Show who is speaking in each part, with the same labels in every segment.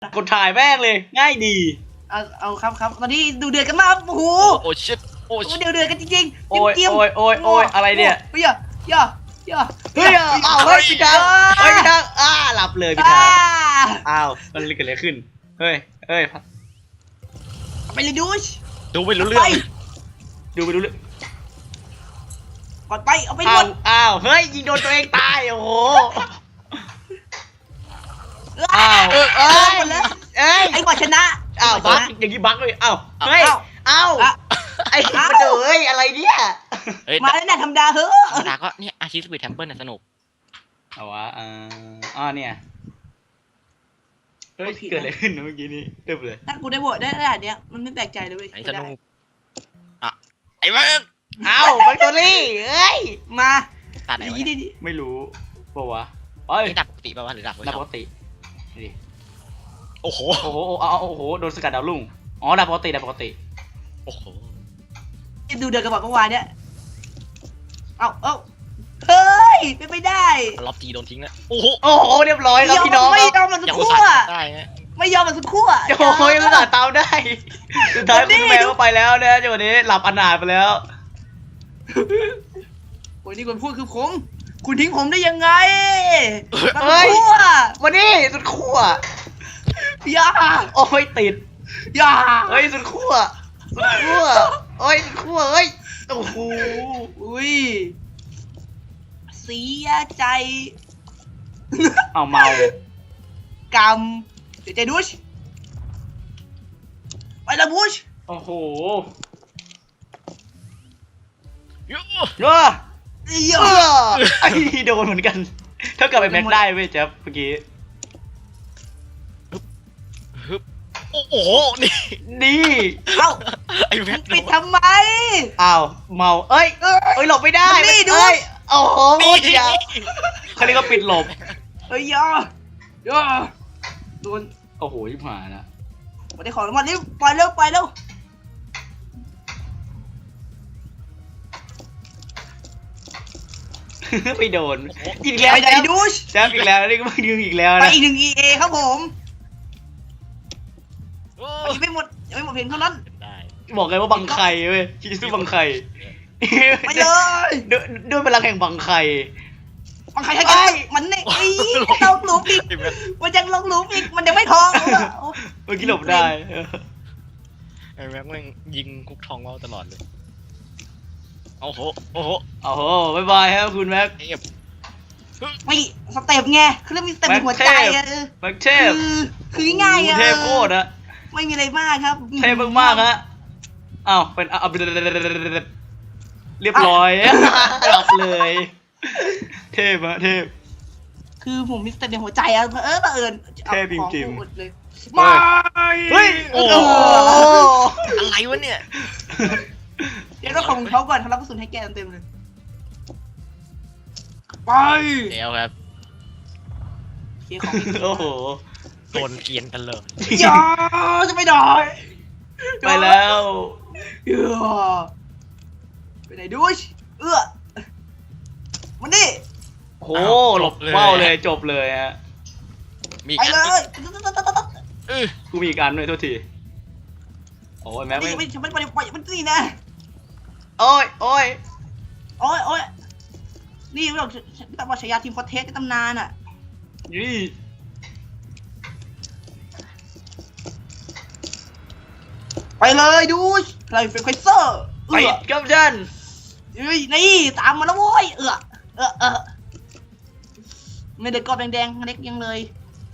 Speaker 1: กดถ่ายแม่งเลยง่ายดี
Speaker 2: เอาครับตอนนี้ดูเดือดกันมากโอ้โห
Speaker 3: โอ้ชิตโอ้ชิต
Speaker 2: เดือดกันจริงๆ
Speaker 1: โอ้ยอะไรเนี่ย
Speaker 2: เฮ้ยย่า
Speaker 1: เฮ้ยอ้าวเฮ้ยพี่ทางหลับเลยพี่ทางอ้าวมันเกิดอะไรขึ้นเฮ้ย
Speaker 2: ไปเลยดูช
Speaker 3: ดูไม่รู้เรื่อง
Speaker 1: ดูไปดูเลย
Speaker 2: ก่อนไปเอาไปหมด
Speaker 1: อ้าวเฮ้ยยิงโดนตัวเองตายโอ้โหอ้าวเอ้ย
Speaker 2: ไอ้บอลชนะ
Speaker 1: อ้าวบั๊กอย่างนี้บั๊กเลยอ้าวเฮ้ยอ้าวไอ้มันเฮ้ยอะไรเนี่ย
Speaker 2: มาแล้วเนี่ยธรรมดาเฮ้
Speaker 3: ธรรมดาก็เนี่ยอาชีพสปีดแทมเปิลน่ะสนุก
Speaker 1: เอาวะเนี่ยเฮ้ยเกิดอะไรขึ้นเมื่อกี้นี้เต็มเลย
Speaker 2: ถ้ากูได้โหวตได้ขนาดเนี้ยมันไม่แปลกใจเลยเว้ย
Speaker 3: ไอ้สนุกอ่ะไอ้แม่ง
Speaker 1: อ้าวแบคทีรี่เอ้ย
Speaker 2: มา
Speaker 3: ตัดไหนวะเนี่ย
Speaker 2: ดี
Speaker 1: ไม่รู้ป่าวะเอ้ย
Speaker 3: นี่ดับปกติป่าวะหรือดับ
Speaker 1: ดับปกติดิ
Speaker 3: โอ้โห
Speaker 1: โอ้โหโดนสกัดดาวรุ่งอ๋อดับปกติ
Speaker 3: โอ้โห
Speaker 2: ดูเดือดกันบอกเมื่อวานเนี้ยเอาเฮ้ยไม่ได้
Speaker 3: ล็อบทีโดนทิ้งแล้วโอ้โห
Speaker 1: โอ้โหเรียบร้อยครับพี่น้อง
Speaker 2: ไม่ยอมมันสัก
Speaker 3: ยัง
Speaker 2: ค
Speaker 3: อุต
Speaker 2: รู่
Speaker 3: ส่าห์ได้ไง
Speaker 2: ไม่ยอมมันสักครู่
Speaker 1: โอ้ยมันตามได้สุดท้ายคุณแมวก็ไปแล้วนะจังหวะนี้หลับอนาถไปแล้ว
Speaker 2: โอ้ยนี่คนพูดคือผมคุณทิ้งผมได้ยังไง
Speaker 1: เฮ้ย
Speaker 2: ขั้ว
Speaker 1: วันนี้สุดขั้ว
Speaker 2: อย่า
Speaker 1: โอ้ยติด
Speaker 2: อย่า
Speaker 1: เฮ้ยสุดขั้วเฮ้ยสุดขั้วเฮ้ยโอ้โห
Speaker 2: อุ้ยเสียใจ
Speaker 1: เอาเมาก
Speaker 2: รรมเสียใจดุชไปละบุช
Speaker 1: โอ้โห
Speaker 3: เยอะ
Speaker 1: เออ
Speaker 2: เยอะ
Speaker 1: ไอ้โดนเหมือนกันเท่ากับไอ้แม็กได้เว้ยแจ๊บเมื่อกี้
Speaker 3: ฮึบโอ้โหนี่
Speaker 1: นี่
Speaker 2: เอ้า
Speaker 3: ไอ้แม่ง
Speaker 2: ปิดทำไม
Speaker 1: อ้าวเมาเอ้ยหลบไม่ได้
Speaker 2: มันนี่ดู
Speaker 1: เอ้ยโอ้โหโคตรยาวเขาเรียกว่าปิดหลบ
Speaker 2: เฮ้ยอย่าโดน
Speaker 1: โอ้โหชิบหายนะ
Speaker 2: มาได้ของรางวัลนี่ปล่อยเร็ว
Speaker 1: ไม่โดนอีกแล้ว
Speaker 2: ไปไหนดุช
Speaker 1: แจ๊บอีกแล้วนี่ก็ไม่ดึงอีกแล้ว
Speaker 2: ไป
Speaker 1: นะ
Speaker 2: อีกหนึ่ง EA ครับผม
Speaker 3: โอ้
Speaker 2: ไปไม่หมดยังไม่หมดเพียงเท่านั้น
Speaker 3: ได้
Speaker 1: บอกเลยว่าบังไข่เว้ยคิดซื้อบังไข่
Speaker 2: ไปเลย
Speaker 1: ด้วยพลังแห่งบังไข่
Speaker 2: บางใครให้กันมันเนี่ยไอ้ลงหลุมอีกมันยังลงหลุมอีกมันยังไม่ทอง
Speaker 1: เมื่อกี้หลบได้
Speaker 3: ไอ้แม่งแม่งยิงคุกทองเราตลอดเลยโอ้โหโอ้โห
Speaker 1: โอ้โหบ๊ายบายครับคุณแม็ก
Speaker 3: เงียบ
Speaker 2: ไม่สเต็ปไงคือเรื่องมีสเต็ปในหัวใจอะ
Speaker 1: แม็กเทพ
Speaker 2: คือง่ายอะ
Speaker 1: เทพโคตรอะ
Speaker 2: ไม่มีอะไรมากครับ
Speaker 1: เทพมากๆฮะอ้าวเป็นเรียบร้อยหลับเลย เทพฮะเทพ
Speaker 2: คือผมมีสเต็ปในหัวใจอะบังเอิญ
Speaker 1: เทพจริงๆ
Speaker 2: หมดเลย
Speaker 1: เฮ้ยโอ้โห
Speaker 3: อะไรวะเนี่ย
Speaker 2: เดี๋ยวเราของเขาก่อนทำรับกระสุนให้แกเต็มเลยไป
Speaker 3: เดี๋ยวครับ
Speaker 2: เสียของ
Speaker 1: โอ้โห
Speaker 3: โดนเกรียนกันเลย
Speaker 2: อย่าจะไม่ได้
Speaker 1: ไปแล้ว
Speaker 2: ไปไหนดูชมันนี่
Speaker 1: โหหลบเบ้าเลยจบเลยฮะ
Speaker 3: มี
Speaker 2: ไปเลย
Speaker 1: กูมีอีกอันด้วยโทษทีโอ้ยแม็ก
Speaker 2: นี่
Speaker 1: ไม่
Speaker 2: ฉันไม่ไปปล่อยมันนี่นะ
Speaker 1: โอ้ย
Speaker 2: โอ้ยนี่เราแต่ว่าฉายาทีมฟอร์เทสในตำนานอ่ะ
Speaker 1: นี่
Speaker 2: ไปเลยดูชอะไรเป็นไคเซอร์
Speaker 1: ไปกับฉัน
Speaker 2: นี่ตามมาแล้วโว้ยไม่เด็กกรอบแดงๆเล็กยังเลย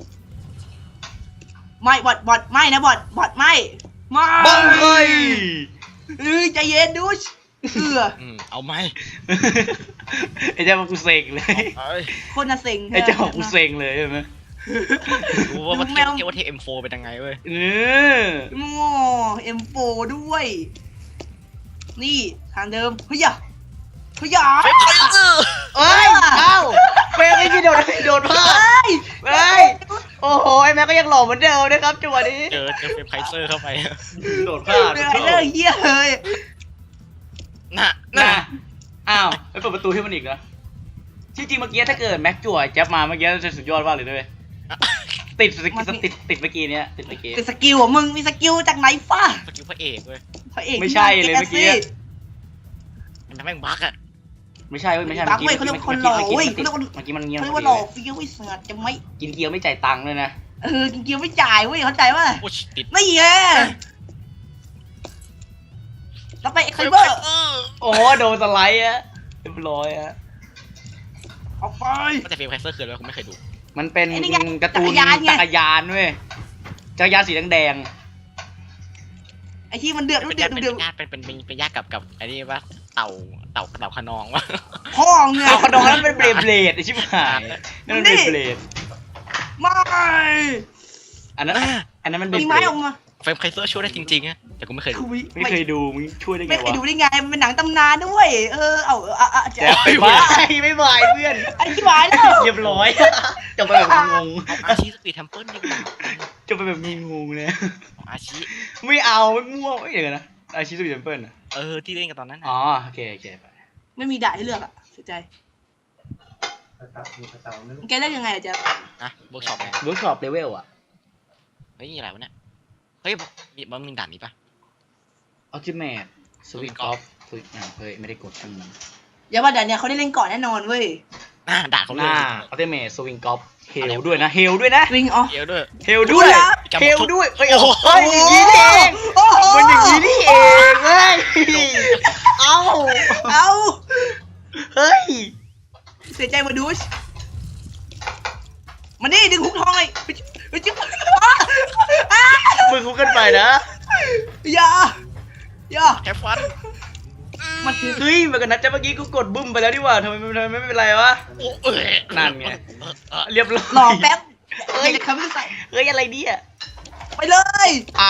Speaker 2: ไม่บอดไม่นะบอดไม่
Speaker 1: บังเคย
Speaker 2: ใจเย็นดูช
Speaker 3: เอาไหม
Speaker 1: ไอ้เจ้ากูเซ็งเลย
Speaker 2: คนน่ะเซ็ง
Speaker 1: ไอ้เจ้ากูเซ็งเลยใช่ไหม
Speaker 3: รู้ว่าเทียบว่าเทเอ็มโฟเป็นยังไงเว้ย
Speaker 2: โง่M4 ด้วย นี่ทางเดิมเฮ้ย
Speaker 1: เอ้ยเอ้าเฟรมไม่มีโดนพลาดเฮ้ยโอ้โหไอ้แม็กก็ยังหล่อเหมือนเดิมนะครับจังหวะนี้
Speaker 3: เจอเฟรมไคเซอร์เข้าไป
Speaker 1: โดนพลาด
Speaker 2: เรื่องเฮียเลย
Speaker 3: น่ะ
Speaker 1: อ้าวไปเปิดประตูให้มันอีกนะที่จริงเมื่อกี้ถ้าเกิดแม็กจั่วแจ๊บมาเมื่อกี้จะสุดยอดมากเลยด้วยติดเมื่อกี้เนี้ยติดเมื่อกี้
Speaker 2: เป็นสกิลของมึงมีสกิลจากไหนฟ้า
Speaker 3: สกิลพระเอกเว้ย
Speaker 2: พระเอก
Speaker 1: ไม่ใช่เลยเมื่อกี้
Speaker 3: มันทำให้มึงบักอะ
Speaker 1: ไม่ใช่เว้ยไม่ใช่
Speaker 2: บักเว้ยเขาเรียกว่าคนหล่อเว้ย
Speaker 1: เมื่อกี้มันเงียบ
Speaker 2: เขาเรียกว่าหล่อฟิวไอ้เสือจะไม่
Speaker 1: กินเกี๊ยวไม่จ่ายตังค์เลยนะ
Speaker 2: กินเกี๊ยวไม่จ่ายเว้ยเข้าใจว่า
Speaker 3: โอ้ยติด
Speaker 2: ไม่แย่แล้วไปไคเบอร์
Speaker 1: โอ้โดนสไลด์อะเรียบร้อยอะ
Speaker 2: ออกไป
Speaker 3: ก็แต่เฟรมไคเซอร์คืออะไรกูไม่เคยดู
Speaker 1: มันเป็น
Speaker 2: ไอ้นี่ไง
Speaker 1: การ์ตูน
Speaker 2: จักรยานไง
Speaker 1: จักรยานเว้ยจักรยานสีแดง
Speaker 2: ไอ้ที่มันเดือด
Speaker 3: เป็น
Speaker 2: เดือ
Speaker 3: ญา
Speaker 2: ด
Speaker 3: ติ
Speaker 2: เดือด
Speaker 3: เป็นญาติกับไอ้นี่ว่าเต่าขนองวะ
Speaker 2: พ่อ
Speaker 1: ๆ
Speaker 2: เงย
Speaker 1: เอาขนมนั้นเป็นเบลเบลดไอชิบหายนั่นมันเบลเบลด
Speaker 2: ไม่
Speaker 1: อันนั้นมันเบล
Speaker 2: มี
Speaker 1: เบ
Speaker 2: ไม้
Speaker 1: ล
Speaker 2: อ
Speaker 1: ด
Speaker 2: อกมา
Speaker 3: เฟรมไคเซอร์ช่วยได้จริงๆอะแต่กูไม่เคยดู
Speaker 1: ไม่เคยดูมึงช่วยได้ไง
Speaker 2: ไม่เคยว
Speaker 1: ะ
Speaker 2: ดูได้ไงมันเป็นหนังตำนานด้วยเอาจะ
Speaker 1: แจ๊บไปบ้าไม่บายเพื่อน
Speaker 2: ไอ้ที่หวายแล้ว
Speaker 1: เรียบร้อยจบไปแบบงง
Speaker 3: เอาอาชีสปีดเทมเพิลดีกว่า
Speaker 1: จบไปแบบงงเลย
Speaker 3: อาชี
Speaker 1: ไม่เอาไม่มั่วไม่เดี๋ยวนะอาชีพสุดเปิลอ่ะ
Speaker 3: ที่เล่นกันตอนนั้น
Speaker 1: อ๋อโอเคไป
Speaker 2: ไม่มีด่าให้เลือกอ่ะเสียใจแกเล่นยังไงอะจ๊ะ
Speaker 3: นะเวิร์กช็อปไง
Speaker 1: เวิร์กช็อปเลเวลอ่ะ
Speaker 3: เฮ้ยอะไรวะเนี่ยเฮ้ยมันมีด่านนี้ปะ
Speaker 1: อัลติเมทสวิงกอล์ฟเฮ้ยไม่ได้กดทั้งนั้น
Speaker 2: อย่าว่าแต่เนี่ยเขาได้เล่นก่อนแน่นอนเว้ย
Speaker 3: ด่าเขา
Speaker 1: ห
Speaker 3: เลย
Speaker 1: น้าอัลติเมทสวิงกอล์ฟเฮลด้วยนะเฮลด้วยนะ
Speaker 2: วิงอ๋อ
Speaker 3: เดี๋ยวด้วย
Speaker 1: เฮลด้วย
Speaker 2: ดูนะ
Speaker 1: เฮลด้วยเฮ้ยอย่างนี้นี่เอง
Speaker 2: โอ้โห
Speaker 1: มันอย่างนี้นี่เองเฮ้ยเอา
Speaker 2: เอา
Speaker 1: เฮ้ย
Speaker 2: เสียใจมาดูชมานี่ดึงหุกทองเลยไปจิ๊บอ้า
Speaker 1: มึงคุกกันไปนะ
Speaker 2: อย่า
Speaker 3: แค่ฟัน
Speaker 2: มันคือ
Speaker 1: เฮ้ยมันกันนัดจะเมื่อกี้กูกดบึ้มไปแล้วดีกว่าทำไมไม่เป็นไรวะ นั่นไง เรียบร้อย
Speaker 2: หล่อแป๊บจะคำไม่ใส่
Speaker 1: เฮ้ยอะไรเนี่ย
Speaker 2: ไปเลย
Speaker 1: อ้าว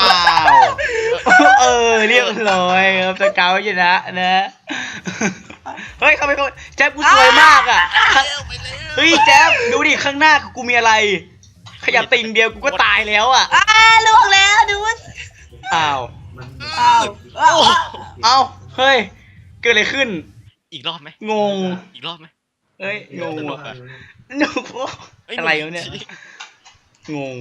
Speaker 1: เรียบร้อยครับสเกาชนะนะเฮ้ยเข้าไปก่อนแจ๊บกูสวยมากอ่ะเฮ้ยแจ๊บดูดิข้างหน้ากูมีอะไร ขยับติ่งเดียวกูก็ตายแล้วอ่ะ
Speaker 2: ล่วงแล้วดูช
Speaker 1: อ้าว
Speaker 2: อ้าว
Speaker 1: เอ้าเฮ้ยเกิดอะไรขึ้น
Speaker 3: อีกรอบไหม
Speaker 1: งง
Speaker 3: อีกรอบไหม
Speaker 1: เฮ้ยงง
Speaker 3: สนุ
Speaker 1: ว่ะ
Speaker 3: กอะ
Speaker 1: หนูอะไรวะเนี่ยงง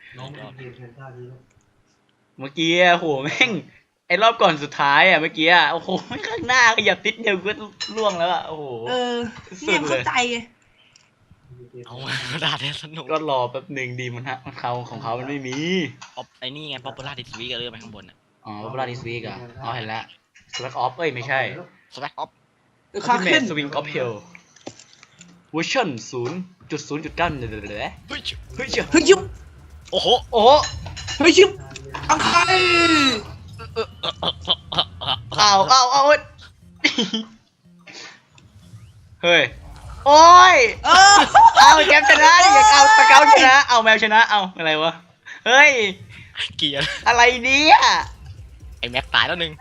Speaker 1: เมื่อกี้อะโหแม่งไอ้รอบก่อนสุดท้ายอ่ะเมื่อกี้อ่ะโอ้โหข้างหน้าขยับติดเดียวก็ล่วงแล้วอ่ะโอ้โห
Speaker 2: เนี่ยเข้าใจไง
Speaker 3: เอาด่าแทนสนุก
Speaker 1: ก็รอแป๊บหนึ่งดีมันฮะมันเขาของเขามันไม่มี
Speaker 3: ไอ้นี่ไงป๊อปปูล่าดิสวีกันเลยไปข้างบนอ่ะ
Speaker 1: อ๋อเวลาดิสวีกอ่ะอ๋อเห็นแล้วสวักออฟไม่ใช่
Speaker 3: สแวกออฟ
Speaker 2: ค่า
Speaker 1: ที่เม
Speaker 2: ขึ้น
Speaker 1: สสวิงออฟเฮลเวอร์ชัน0.0.9เลยเฮ้ยเฮ้ยเจ้า
Speaker 2: เฮ้ยยุบ
Speaker 3: โอ้โห
Speaker 1: โอ้โห
Speaker 2: เฮ้ยยุบอังคาร
Speaker 1: เอาเฮ้ยโอ้ยเอาแกมชนะดิอยากเอาสเกลชนะเอาแมวชนะเอาอะไรวะเฮ้ย
Speaker 3: เกียร์
Speaker 1: อะไรเนี่ย
Speaker 3: ไอ้แม็กตายแล้วหนึ่ง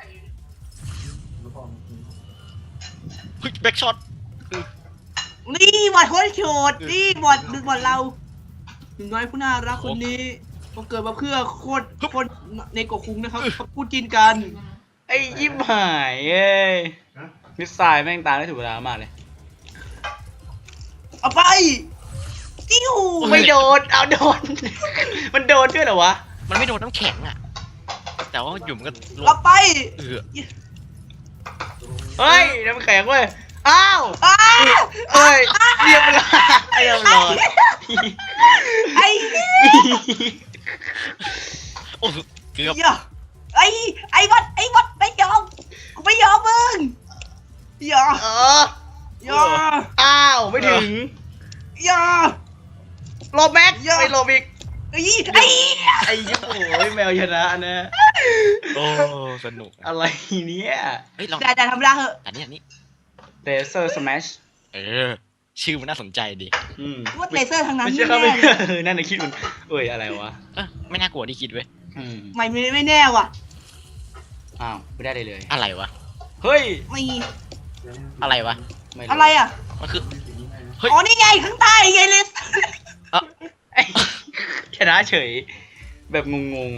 Speaker 3: เฮ้ยแบ็กช็อต
Speaker 2: นี่บอดโคตรโฉดนี่บอดดึงบอดเราหนุ่มน้อยผู้น่ารักคนนี้เขาเกิดมาเพื่อโคตรในกบคุ้งนะครับเขาพูดกินกัน
Speaker 1: ไอ้ยิบหายเอ้ยมิสไซล์แม่งตายได้ถูกเวลามากเลย
Speaker 2: เอาไปจิ้ว
Speaker 1: ไม่โดนเอาโดน มันโดนด้วยเหรอวะ
Speaker 3: มันไม่โดนน้ำแข็งอ่ะแต่ว่าอยู่มันก็ลง
Speaker 2: เอาไป
Speaker 1: เฮ้ยน้ำแข็งเว้ยอ้าว
Speaker 2: อ้า
Speaker 1: เอ้ยเรียบร้อยเรียบร้อย
Speaker 2: ไอ้
Speaker 3: โอ้เกือบ
Speaker 2: ไอ้วัดไม่ยอมกูไม่ยอมมึงอย่า
Speaker 1: เออ
Speaker 2: อย่า
Speaker 1: อ้าวไม่ถึง
Speaker 2: อย่า
Speaker 1: โลแม็กไม่โลบิก
Speaker 2: ไอ้
Speaker 1: ไอ้ยิบโอ้ยแมวชนะนะ
Speaker 3: โอ้สนุก
Speaker 1: อะไรเนี่ย
Speaker 3: เฮ้ยลอง
Speaker 2: แต่ทำได้เหอะ
Speaker 3: อันนี้
Speaker 1: เลเซอร์สแมช
Speaker 3: ชื่อมันน่าสนใจดี
Speaker 2: ว่าเลเซอร์ทางนั้น
Speaker 1: ไม่ใช่ครับไม่นั่นน่ะคิดมันเอ้ยอะไรวะ
Speaker 3: ไม่น่ากลัวที่คิดเว้ย
Speaker 2: ไม่แน่ว่ะ
Speaker 1: อ้าวไม่ได้เลย
Speaker 3: อะไรวะ
Speaker 1: เฮ้ย
Speaker 2: ไม่
Speaker 3: อะไรวะ
Speaker 1: ไม่
Speaker 2: อะไรอ่ะ
Speaker 3: มันคือ
Speaker 2: อ๋อนี่ไงข้างใต้ไงเลส
Speaker 1: ชนะเฉย แบบงง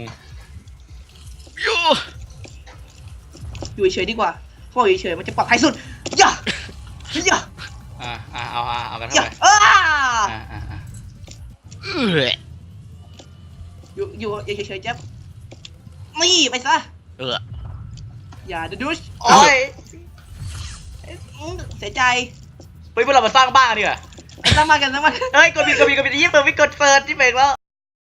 Speaker 2: อยู่เฉยดีกว่าเพราะอยู่เฉยมันจะปลอดภัยสุดอย่า
Speaker 1: ๆเอากัน
Speaker 2: อ
Speaker 1: เข้า
Speaker 2: ย่า
Speaker 1: ไป
Speaker 3: เออ
Speaker 2: อยู่เฉยๆแจ๊บนี่ไปซะ
Speaker 3: เออ
Speaker 2: อย่าเดดูช
Speaker 1: โอ้ย
Speaker 2: เสียใจ
Speaker 1: เฮ้ยพวกเรามาสร้างบ้านดีกว่า
Speaker 2: สร้างมากัน
Speaker 1: เฮ้ยกดผิดยี่เปิดไม่กดเปิดที่เป็นแล้ว